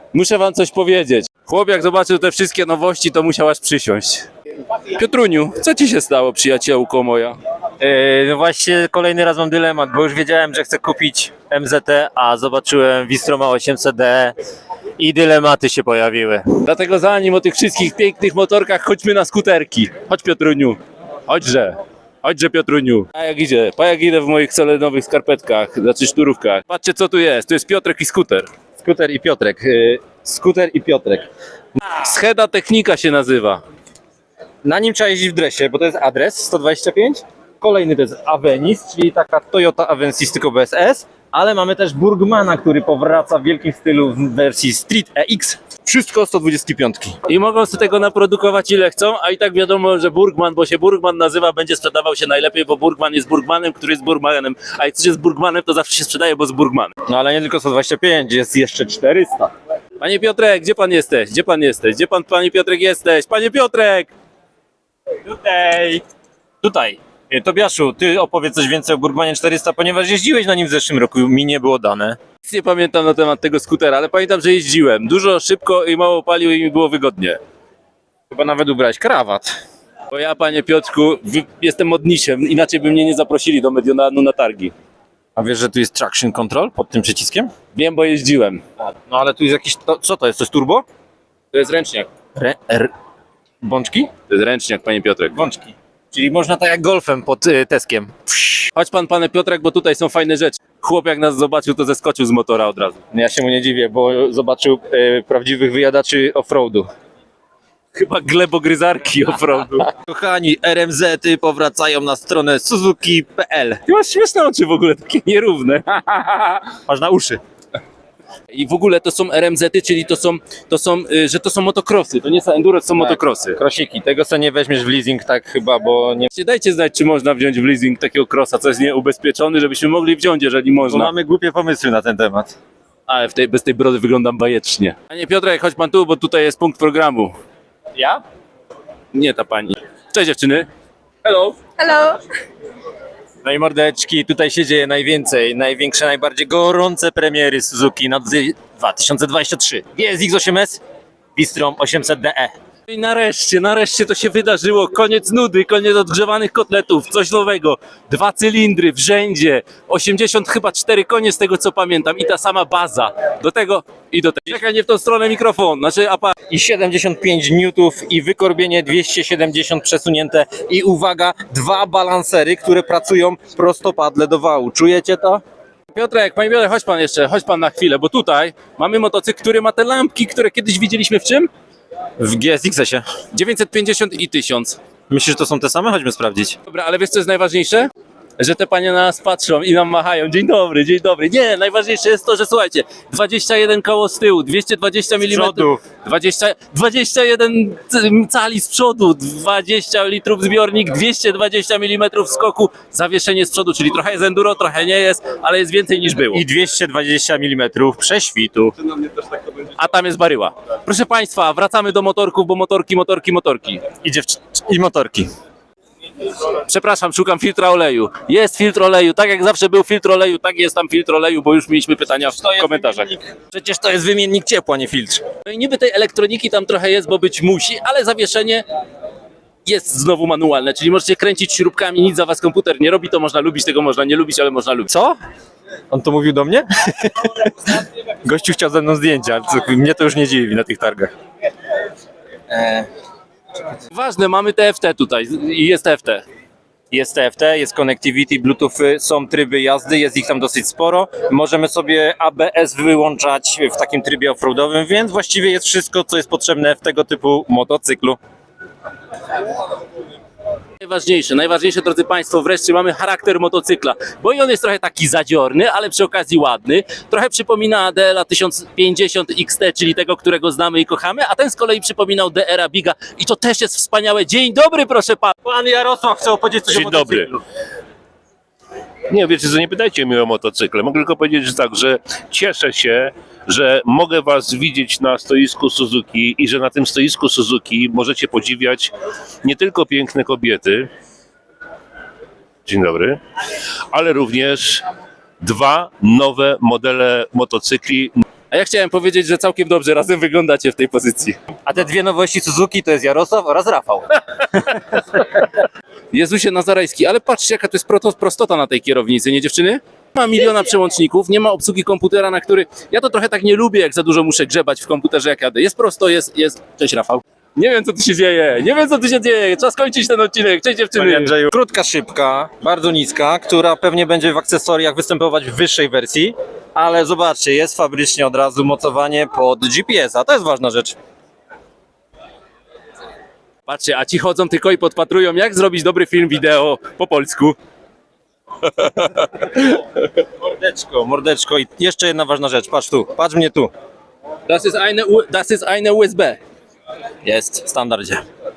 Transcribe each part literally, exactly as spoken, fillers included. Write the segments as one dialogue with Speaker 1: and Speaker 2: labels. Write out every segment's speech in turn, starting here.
Speaker 1: Muszę wam coś powiedzieć. Chłop jak zobaczył te wszystkie nowości, to musiał aż przysiąść. Piotruniu, co ci się stało, przyjaciółko moja?
Speaker 2: Yy, no właśnie kolejny raz mam dylemat, bo już wiedziałem, że chcę kupić M Z T, a zobaczyłem Wistroma osiemset D i dylematy się pojawiły.
Speaker 1: Dlatego zanim o tych wszystkich pięknych motorkach, chodźmy na skuterki. Chodź Piotruniu, chodźże. Chodźże Piotruniu. A jak idzie? Pa jak idę w moich solenowych skarpetkach, znaczy szturówkach. Patrzcie co tu jest, tu jest Piotrek i skuter.
Speaker 2: Skuter i Piotrek. Yy, skuter i Piotrek.
Speaker 1: Scheda Technika się nazywa.
Speaker 2: Na nim trzeba jeździć w dresie, bo to jest adres sto dwadzieścia pięć. Kolejny to jest Avenis, czyli taka Toyota Avensis tylko bez S. Ale mamy też Burgmana, który powraca w wielkim stylu w wersji Street E X. Wszystko sto dwadzieścia pięć.
Speaker 1: I mogą sobie tego naprodukować ile chcą, a i tak wiadomo, że Burgman, bo się Burgman nazywa, będzie sprzedawał się najlepiej, bo Burgman jest Burgmanem, który jest Burgmanem. A jak coś jest Burgmanem, to zawsze się sprzedaje, bo z Burgmanem.
Speaker 2: No ale nie tylko sto dwadzieścia pięć, jest jeszcze czterysta.
Speaker 1: Panie Piotrek, gdzie pan jesteś? Gdzie pan jesteś? Gdzie pan, panie Piotrek, jesteś? Panie Piotrek!
Speaker 2: Tutaj. Tutaj. E, Tobiaszu, ty opowiedz coś więcej o Burgmanie czterysta, ponieważ jeździłeś na nim w zeszłym roku, mi nie było dane.
Speaker 1: Nic nie pamiętam na temat tego skutera, ale pamiętam, że jeździłem. Dużo, szybko i mało palił i mi było wygodnie.
Speaker 2: Chyba nawet ubrałeś krawat.
Speaker 1: Bo ja, panie Piotrku, wy- jestem modnisiem, inaczej by mnie nie zaprosili do Mediolanu na targi.
Speaker 2: A wiesz, że tu jest traction control pod tym przyciskiem?
Speaker 1: Wiem, bo jeździłem.
Speaker 2: No ale tu jest jakiś, to, co to jest, to jest turbo?
Speaker 1: To jest ręczniak.
Speaker 2: Re, r, bączki?
Speaker 1: To jest ręczniak, panie Piotrek.
Speaker 2: Bączki. Czyli można tak jak golfem pod y, Teskiem.
Speaker 1: Chodź pan, panie Piotrek, bo tutaj są fajne rzeczy. Chłop jak nas zobaczył, to zeskoczył z motora od razu.
Speaker 2: No ja się mu nie dziwię, bo zobaczył y, prawdziwych wyjadaczy offroadu.
Speaker 1: Chyba glebogryzarki offroadu.
Speaker 2: Kochani, R M Z-y powracają na stronę suzuki kropka p l.
Speaker 1: Ty masz śmieszne oczy w ogóle, takie nierówne.
Speaker 2: Masz na uszy.
Speaker 1: I w ogóle to są R M Z-y, czyli to są, to są, y, że to są motokrosy. To nie są enduro, to są motokrosy.
Speaker 2: Krosiki, tego co nie weźmiesz w leasing tak chyba, bo nie...
Speaker 1: Dajcie znać, czy można wziąć w leasing takiego crossa, co jest nieubezpieczony, żebyśmy mogli wziąć, jeżeli
Speaker 2: Bo
Speaker 1: można.
Speaker 2: mamy głupie pomysły na ten temat.
Speaker 1: Ale w tej, bez tej brody wyglądam bajecznie. Panie Piotrek, chodź pan tu, bo tutaj jest punkt programu.
Speaker 2: Ja?
Speaker 1: Nie ta pani. Cześć dziewczyny. Hello.
Speaker 3: Hello.
Speaker 2: No i mordeczki, tutaj się dzieje najwięcej, największe, najbardziej gorące premiery Suzuki na dwa tysiące dwudziesty trzeci. G S X osiem S, Bistrom osiemset D E.
Speaker 1: I nareszcie, nareszcie to się wydarzyło. Koniec nudy, koniec odgrzewanych kotletów, coś nowego. Dwa cylindry w rzędzie, osiemdziesiąt chyba cztery konie z tego co pamiętam i ta sama baza. Do tego i do tego. Czekaj, nie w tą stronę mikrofon, znaczy apa.
Speaker 2: I siedemdziesiąt pięć niutów i wykorbienie dwieście siedemdziesiąt przesunięte i uwaga, dwa balansery, które pracują prostopadle do wału. Czujecie to?
Speaker 1: Piotrek, panie Piotrek, chodź pan jeszcze, chodź pan na chwilę, bo tutaj mamy motocykl, który ma te lampki, które kiedyś widzieliśmy w czym?
Speaker 2: W G S X-ie.
Speaker 1: dziewięćset pięćdziesiąt i tysiąc.
Speaker 2: Myślisz, że to są te same? Chodźmy sprawdzić.
Speaker 1: Dobra, ale wiesz co jest najważniejsze? Że te panie na nas patrzą i nam machają. Dzień dobry, dzień dobry. Nie, najważniejsze jest to, że słuchajcie, dwadzieścia jeden koło z tyłu, dwieście dwadzieścia milimetrów. dwadzieścia, dwadzieścia jeden cali z przodu, dwadzieścia litrów zbiornik, dwieście dwadzieścia milimetrów skoku, zawieszenie z przodu, czyli trochę jest enduro, trochę nie jest, ale jest więcej niż było.
Speaker 2: I dwieście dwadzieścia milimetrów prześwitu.
Speaker 1: A tam jest baryła. Proszę państwa, wracamy do motorków, bo motorki, motorki, motorki.
Speaker 2: I, dziewczy- I motorki.
Speaker 1: Przepraszam, szukam filtra oleju. Jest filtr oleju, tak jak zawsze był filtr oleju, tak jest tam filtr oleju, bo już mieliśmy pytania w komentarzach.
Speaker 2: Przecież to jest wymiennik ciepła, nie filtr.
Speaker 1: No i niby tej elektroniki tam trochę jest, bo być musi, ale zawieszenie jest znowu manualne, czyli możecie kręcić śrubkami, nic za was komputer nie robi, to można lubić, tego można nie lubić, ale można lubić.
Speaker 2: Co? On to mówił do mnie? Gościu chciał ze mną zdjęcia, co, mnie to już nie dziwi na tych targach.
Speaker 1: Ważne, mamy T F T tutaj i jest T F T.
Speaker 2: Jest T F T, jest connectivity, bluetooth, są tryby jazdy, jest ich tam dosyć sporo. Możemy sobie A B S wyłączać w takim trybie offroadowym, więc właściwie jest wszystko, co jest potrzebne w tego typu motocyklu.
Speaker 1: Najważniejsze, najważniejsze, drodzy Państwo, wreszcie mamy charakter motocykla, bo i on jest trochę taki zadziorny, ale przy okazji ładny. Trochę przypomina D L A tysiąc pięćdziesiąt X T, czyli tego, którego znamy i kochamy, a ten z kolei przypominał D R A Biga i to też jest wspaniałe. Dzień dobry, proszę pana.
Speaker 2: Pan Jarosław chce opowiedzieć coś
Speaker 4: Dzień
Speaker 2: o motocyklu.
Speaker 4: dobry. Nie, wiecie co, nie pytajcie mnie o motocykle. Mogę tylko powiedzieć, że tak, że cieszę się, że mogę was widzieć na stoisku Suzuki i że na tym stoisku Suzuki możecie podziwiać nie tylko piękne kobiety, dzień dobry, ale również dwa nowe modele motocykli
Speaker 1: A ja chciałem powiedzieć, że całkiem dobrze razem wyglądacie w tej pozycji.
Speaker 2: A te dwie nowości Suzuki to jest Jarosław oraz Rafał.
Speaker 1: Jezusie Nazarejski, ale patrzcie jaka to jest proto- prostota na tej kierownicy, nie dziewczyny? Nie ma miliona przełączników, nie ma obsługi komputera, na który... Ja to trochę tak nie lubię, jak za dużo muszę grzebać w komputerze, jak jadę. Jest prosto, jest... jest... Cześć Rafał. Nie wiem co tu się dzieje, nie wiem co tu się dzieje, czas kończyć ten odcinek, cześć dziewczyny.
Speaker 2: Krótka szybka, bardzo niska, która pewnie będzie w akcesoriach występować w wyższej wersji, ale zobaczcie, jest fabrycznie od razu mocowanie pod G P S a, to jest ważna rzecz.
Speaker 1: Patrzcie, a ci chodzą tylko i podpatrują, jak zrobić dobry film wideo po polsku.
Speaker 2: Mordeczko, mordeczko i jeszcze jedna ważna rzecz, patrz tu, patrz mnie tu.
Speaker 1: Das ist eine, U- das ist eine U S B.
Speaker 2: Jest, w standardzie.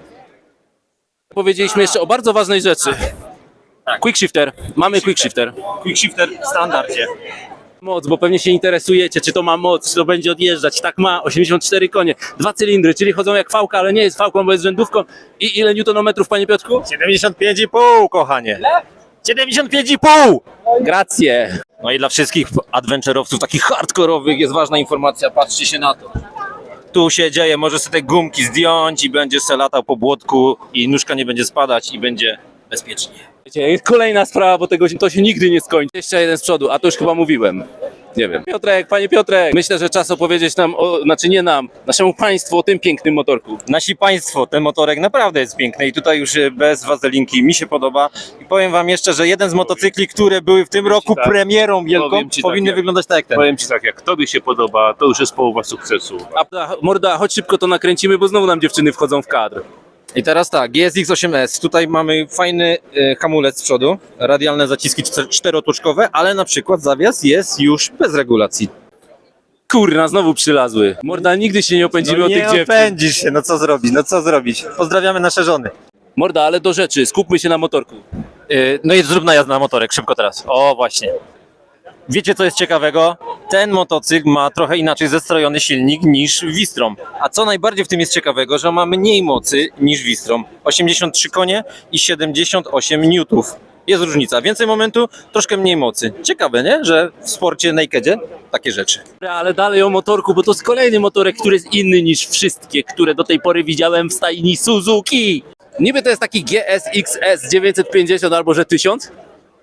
Speaker 1: Powiedzieliśmy jeszcze o bardzo ważnej rzeczy. Quick shifter, mamy quick shifter.
Speaker 2: Quick shifter w standardzie.
Speaker 1: Moc, bo pewnie się interesujecie, czy to ma moc, czy to będzie odjeżdżać. Tak ma, osiemdziesiąt cztery konie, dwa cylindry, czyli chodzą jak fałka, ale nie jest fałką, bo jest rzędówką. I ile newtonometrów, panie Piotrku?
Speaker 2: siedemdziesiąt pięć i pół, kochanie. siedemdziesiąt pięć i pół!
Speaker 1: Gracje.
Speaker 2: No i dla wszystkich adventure'owców takich hardkorowych jest ważna informacja, patrzcie się na to. Tu się dzieje, możesz sobie te gumki zdjąć i będziesz se latał po błotku i nóżka nie będzie spadać i będzie bezpiecznie.
Speaker 1: Wiecie, jest kolejna sprawa, bo tego się, to się nigdy nie skończy. Jeszcze jeden z przodu, a to już chyba mówiłem. Nie wiem. Piotrek, panie Piotrek, myślę, że czas opowiedzieć nam, o, znaczy nie nam, naszemu państwu o tym pięknym motorku.
Speaker 2: Nasi państwo, ten motorek naprawdę jest piękny i tutaj już bez wazelinki mi się podoba. I powiem wam jeszcze, że jeden z motocykli, które były w tym roku
Speaker 4: tak.
Speaker 2: premierą wielką,
Speaker 4: Powiem ci tak,
Speaker 2: powinny
Speaker 4: jak-
Speaker 2: wyglądać tak jak ten.
Speaker 4: Powiem ci tak, jak tobie się podoba, to już jest połowa sukcesu.
Speaker 1: A morda, chodź szybko to nakręcimy, bo znowu nam dziewczyny wchodzą w kadr.
Speaker 2: I teraz tak, G S X osiem S. Tutaj mamy fajny e, hamulec z przodu, radialne zaciski czter- czterotoczkowe, ale na przykład zawias jest już bez regulacji.
Speaker 1: Kurna, znowu przylazły. Morda, nigdy się nie opędzimy o tych dziewczyn.
Speaker 2: opędzisz się, no co zrobić, no co zrobić. Pozdrawiamy nasze żony.
Speaker 1: Morda, ale do rzeczy, skupmy się na motorku.
Speaker 2: E, no i zrób najazd na motorek, szybko teraz. O, właśnie. Wiecie co jest ciekawego? Ten motocykl ma trochę inaczej zestrojony silnik niż Wistrom. A co najbardziej w tym jest ciekawego, że ma mniej mocy niż Wistrom. osiemdziesiąt trzy konie i siedemdziesiąt osiem niutów. Jest różnica. Więcej momentu, troszkę mniej mocy. Ciekawe, nie? Że w sporcie nakedzie takie rzeczy.
Speaker 1: Ale dalej o motorku, bo to jest kolejny motorek, który jest inny niż wszystkie, które do tej pory widziałem w stajni Suzuki. Niby to jest taki G S X S dziewięćset pięćdziesiąt albo że tysiąc,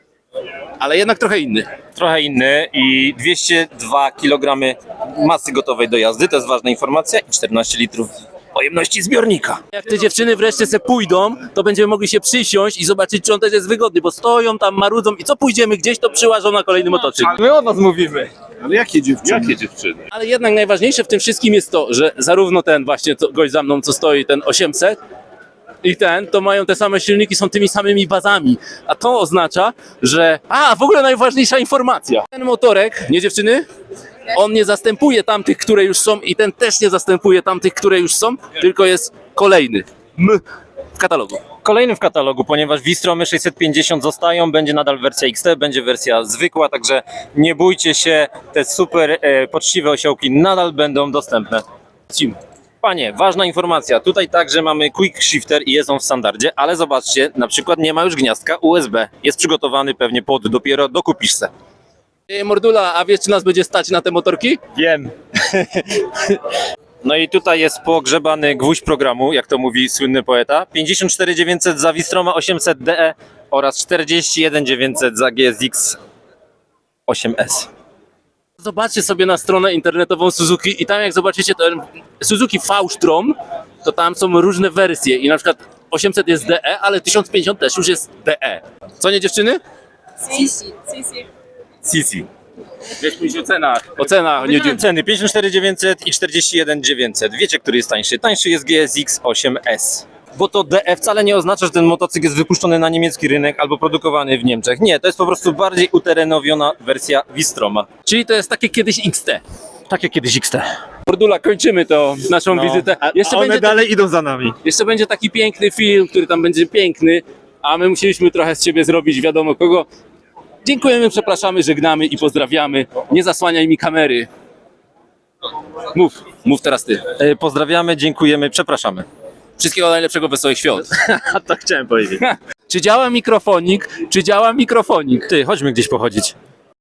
Speaker 1: ale jednak trochę inny.
Speaker 2: Trochę inny i dwieście dwa kilogramy masy gotowej do jazdy, to jest ważna informacja, i czternaście litrów pojemności zbiornika.
Speaker 1: Jak te dziewczyny wreszcie se pójdą, to będziemy mogli się przysiąść i zobaczyć, czy on też jest wygodny, bo stoją tam, marudzą i co pójdziemy gdzieś, to przyłażą na kolejny motocykl.
Speaker 2: My o was mówimy.
Speaker 3: Ale jakie dziewczyny?
Speaker 4: Jakie dziewczyny?
Speaker 1: Ale jednak najważniejsze w tym wszystkim jest to, że zarówno ten właśnie co, gość za mną, co stoi, ten osiemset i ten, to mają te same silniki, są tymi samymi bazami. A to oznacza, że... A, w ogóle najważniejsza informacja. Ten motorek, nie dziewczyny? On nie zastępuje tamtych, które już są i ten też nie zastępuje tamtych, które już są, tylko jest kolejny M w katalogu.
Speaker 2: Kolejny w katalogu, ponieważ Vistromy sześćset pięćdziesiąt zostają, będzie nadal wersja X T, będzie wersja zwykła, także nie bójcie się, te super e, poczciwe osiołki nadal będą dostępne.
Speaker 1: Cim.
Speaker 2: Panie, ważna informacja, tutaj także mamy Quick Shifter i jest on w standardzie, ale zobaczcie, na przykład nie ma już gniazdka U S B, jest przygotowany pewnie pod, dopiero dokupisz se.
Speaker 1: Ej, Mordula, a wiesz, czy nas będzie stać na te motorki?
Speaker 2: Wiem. No i tutaj jest pogrzebany gwóźdź programu, jak to mówi słynny poeta. pięćdziesiąt cztery dziewięćset za Wistroma osiemset D E oraz czterdzieści jeden dziewięćset za G S X osiem S.
Speaker 1: Zobaczcie sobie na stronę internetową Suzuki i tam jak zobaczycie ten Suzuki V-Strom, to tam są różne wersje i na przykład osiemset jest D E, ale tysiąc pięćdziesiąt też już jest D E. Co nie dziewczyny?
Speaker 5: Sí, sí, sí, sí.
Speaker 1: Sisi. Wiesz mówić o cenach. O cenach, nie
Speaker 2: Nie ceny pięćdziesiąt cztery dziewięćset i czterdzieści jeden dziewięćset. Wiecie, który jest tańszy? Tańszy jest G S X osiem S. Bo to D E wcale nie oznacza, że ten motocykl jest wypuszczony na niemiecki rynek albo produkowany w Niemczech. Nie, to jest po prostu bardziej uterenowiona wersja Wistroma.
Speaker 1: Czyli to jest takie kiedyś X T.
Speaker 2: Tak jak kiedyś X T.
Speaker 1: Mordula, kończymy to naszą
Speaker 2: No,
Speaker 1: wizytę.
Speaker 3: A
Speaker 1: Jeszcze
Speaker 3: one
Speaker 1: będzie,
Speaker 3: dalej idą za nami.
Speaker 1: jeszcze będzie taki piękny film, który tam będzie piękny, a my musieliśmy trochę z siebie zrobić wiadomo kogo. Dziękujemy, przepraszamy, żegnamy i pozdrawiamy. Nie zasłaniaj mi kamery. Mów, mów teraz ty.
Speaker 2: E, Pozdrawiamy, dziękujemy, przepraszamy.
Speaker 1: Wszystkiego najlepszego, wesołych świąt.
Speaker 3: A tak chciałem powiedzieć.
Speaker 1: Czy działa mikrofonik? Czy działa mikrofonik?
Speaker 2: Ty, chodźmy gdzieś pochodzić.